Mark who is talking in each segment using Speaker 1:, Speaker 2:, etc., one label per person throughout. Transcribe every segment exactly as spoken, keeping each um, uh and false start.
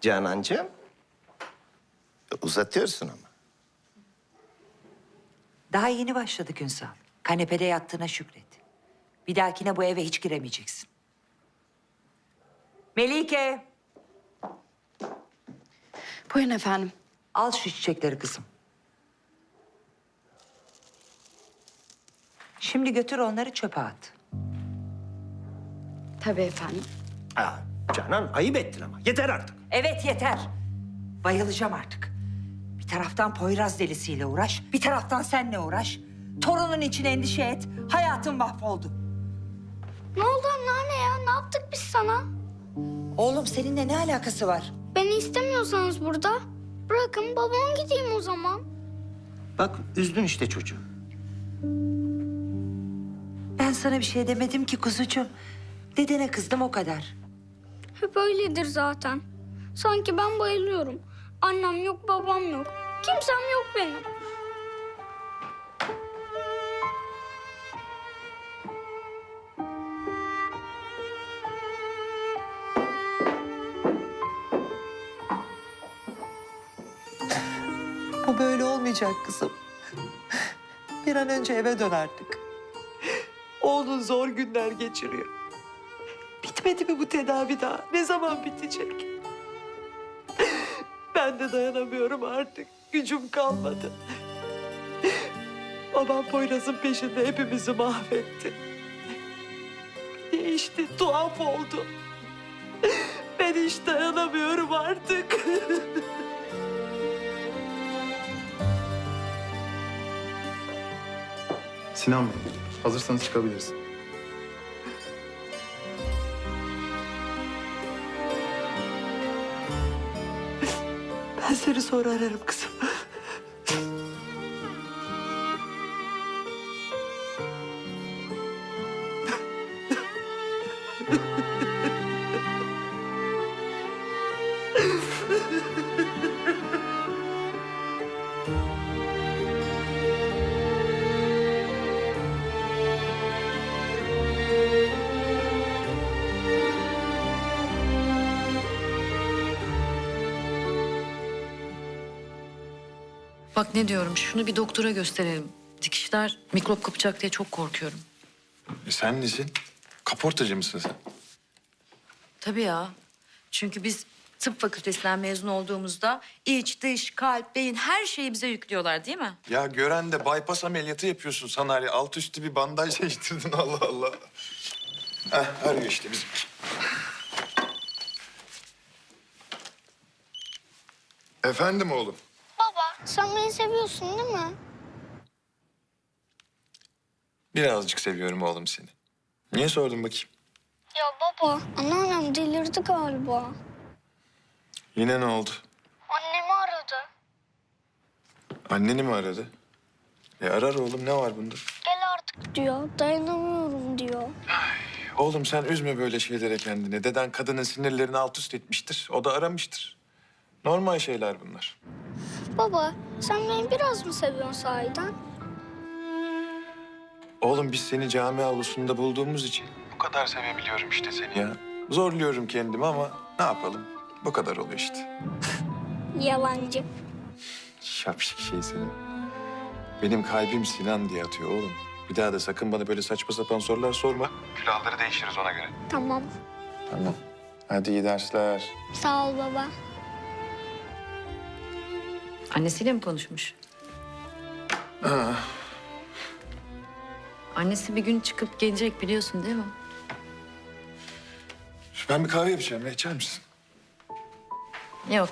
Speaker 1: Canancığım. Uzatıyorsun ama.
Speaker 2: Daha yeni başladık Ünsal. Kanepede yattığına şükret. Bir dahakine bu eve hiç giremeyeceksin. Melike,
Speaker 3: Buyurun efendim.
Speaker 2: al şu çiçekleri kızım. Şimdi götür onları çöpe at.
Speaker 3: Tabii efendim.
Speaker 1: Aa, Canan ayıp ettin ama. Yeter artık.
Speaker 2: Evet yeter. Bayılacağım artık. Bir taraftan Poyraz delisiyle uğraş, bir taraftan senle uğraş. Torunun için endişe et. Hayatın mahvoldu.
Speaker 4: Ne oldu anneanne ya? Ne yaptık biz sana?
Speaker 2: Oğlum seninle ne alakası var?
Speaker 4: Beni istemiyorsanız burada bırakın babam gideyim o zaman.
Speaker 1: Bak üzdün işte çocuğu.
Speaker 2: Ben sana bir şey demedim ki kuzucuğum. Dedene kızdım o kadar.
Speaker 4: Hep öyledir zaten. Sanki ben bayılıyorum. Annem yok, babam yok. Kimsem yok benim.
Speaker 2: Bu böyle olmayacak kızım. Bir an önce eve dön artık. Oğlun zor günler geçiriyor. Bitmedi mi bu tedavi daha? Ne zaman bitecek? Ben de dayanamıyorum artık. Gücüm kalmadı. Babam Poyraz'ın peşinde hepimizi mahvetti. Değişti, tuhaf oldu. Ben hiç dayanamıyorum artık.
Speaker 5: Sinan Bey, hazırsanız çıkabiliriz.
Speaker 2: Ben seni sonra ararım kızım.
Speaker 3: Bak ne diyorum, şunu bir doktora gösterelim. Dikişler mikrop kapacak diye çok korkuyorum.
Speaker 6: E sen nesin? Kaportacı mısın sen?
Speaker 3: Tabii ya. Çünkü biz tıp fakültesinden mezun olduğumuzda iç, dış, kalp, beyin her şeyi bize yüklüyorlar değil mi?
Speaker 6: Ya gören de bypass ameliyatı yapıyorsun sanari. Alt üstü bir bandaj değiştirdin Allah Allah. Heh, arıyor işte bizim. Efendim oğlum.
Speaker 4: Baba, sen beni seviyorsun değil mi?
Speaker 6: Birazcık seviyorum oğlum seni. Niye sordun bakayım?
Speaker 4: Ya baba, anneannem delirdi galiba.
Speaker 6: Yine ne oldu?
Speaker 4: Annemi aradı.
Speaker 6: Anneni mi aradı? E arar oğlum, ne var bunda?
Speaker 4: Gel artık diyor, dayanamıyorum diyor.
Speaker 6: Oğlum sen üzme böyle şeylere kendini. Deden kadının sinirlerini alt üst etmiştir. O da aramıştır. Normal şeyler bunlar.
Speaker 4: Baba, sen beni biraz mı seviyorsun sahiden?
Speaker 6: Oğlum biz seni cami avlusunda bulduğumuz için bu kadar sevebiliyorum işte seni ya. Zorluyorum kendimi ama ne yapalım? Bu kadar oluyor işte.
Speaker 4: Yalancı.
Speaker 6: Şapşik şey senin. Benim kalbim Sinan diye atıyor oğlum. Bir daha da sakın bana böyle saçma sapan sorular sorma. Külahları değişiriz ona göre.
Speaker 4: Tamam.
Speaker 6: Tamam. Hadi iyi dersler.
Speaker 4: Sağ ol baba.
Speaker 3: Annesiyle mi konuşmuş? Annesi bir gün çıkıp gelecek biliyorsun değil mi?
Speaker 6: Ben bir kahve yapacağım. Ne içer misin?
Speaker 3: Yok.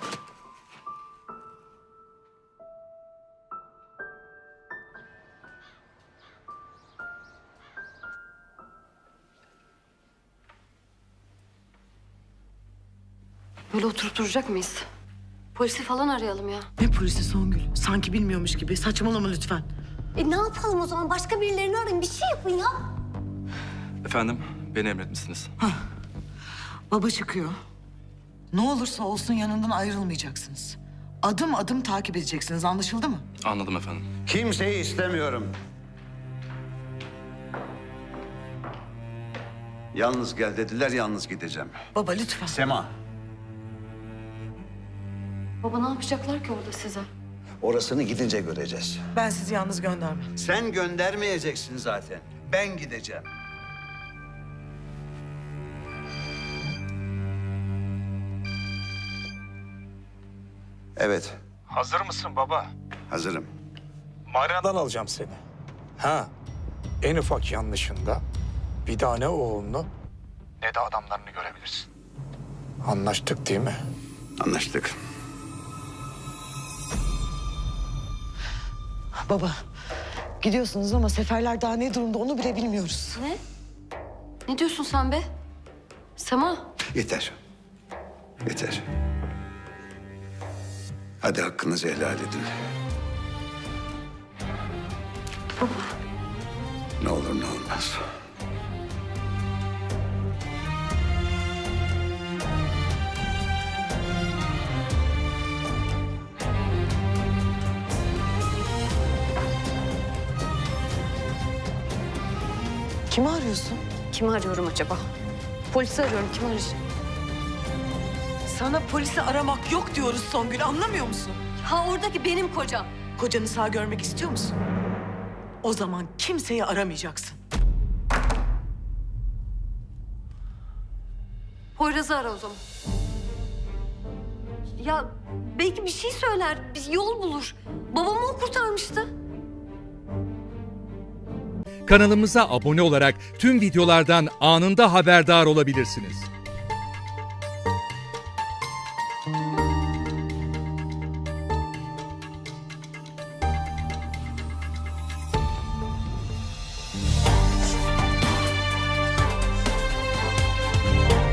Speaker 7: Böyle oturup duracak mıyız? Polisi falan arayalım ya.
Speaker 8: Ne polisi Songül? Sanki bilmiyormuş gibi. Saçmalama lütfen.
Speaker 7: E ne yapalım o zaman? Başka birilerini arayın. Bir şey yapın ya.
Speaker 9: Efendim, beni emretmişsiniz.
Speaker 8: Baba çıkıyor. Ne olursa olsun yanından ayrılmayacaksınız. Adım adım takip edeceksiniz. Anlaşıldı mı?
Speaker 9: Anladım efendim.
Speaker 10: Kimseyi istemiyorum. Yalnız gel dediler, yalnız gideceğim.
Speaker 8: Baba lütfen.
Speaker 10: Sema.
Speaker 7: Baba ne yapacaklar ki orada size?
Speaker 10: Orasını gidince göreceğiz.
Speaker 8: Ben sizi yalnız göndermem.
Speaker 10: Sen göndermeyeceksin zaten. Ben gideceğim. Evet,
Speaker 11: Hazır mısın baba?
Speaker 10: hazırım.
Speaker 11: Marinadan alacağım seni. Ha, en ufak yanlışında bir daha ne oğlunu ne de adamlarını görebilirsin. Anlaştık değil mi?
Speaker 10: Anlaştık.
Speaker 8: Baba, gidiyorsunuz ama seferler daha ne durumda onu bile bilmiyoruz.
Speaker 7: Ne? Ne diyorsun sen be? Sema.
Speaker 10: Yeter. Yeter. Hadi hakkınızı helal edin. Ne olur ne olmaz.
Speaker 8: Kimi arıyorsun?
Speaker 7: Kimi arıyorum acaba? Polisi arıyorum. Kimi arayacağım?
Speaker 8: Sana polisi aramak yok diyoruz Songül, anlamıyor musun?
Speaker 7: Ha oradaki benim kocam.
Speaker 8: Kocanı sağ görmek istiyor musun? O zaman kimseyi aramayacaksın.
Speaker 7: Poyraz'ı ara o zaman. Ya belki bir şey söyler, bir yol bulur. Babamı o kurtarmıştı.
Speaker 12: Kanalımıza abone olarak tüm videolardan anında haberdar olabilirsiniz.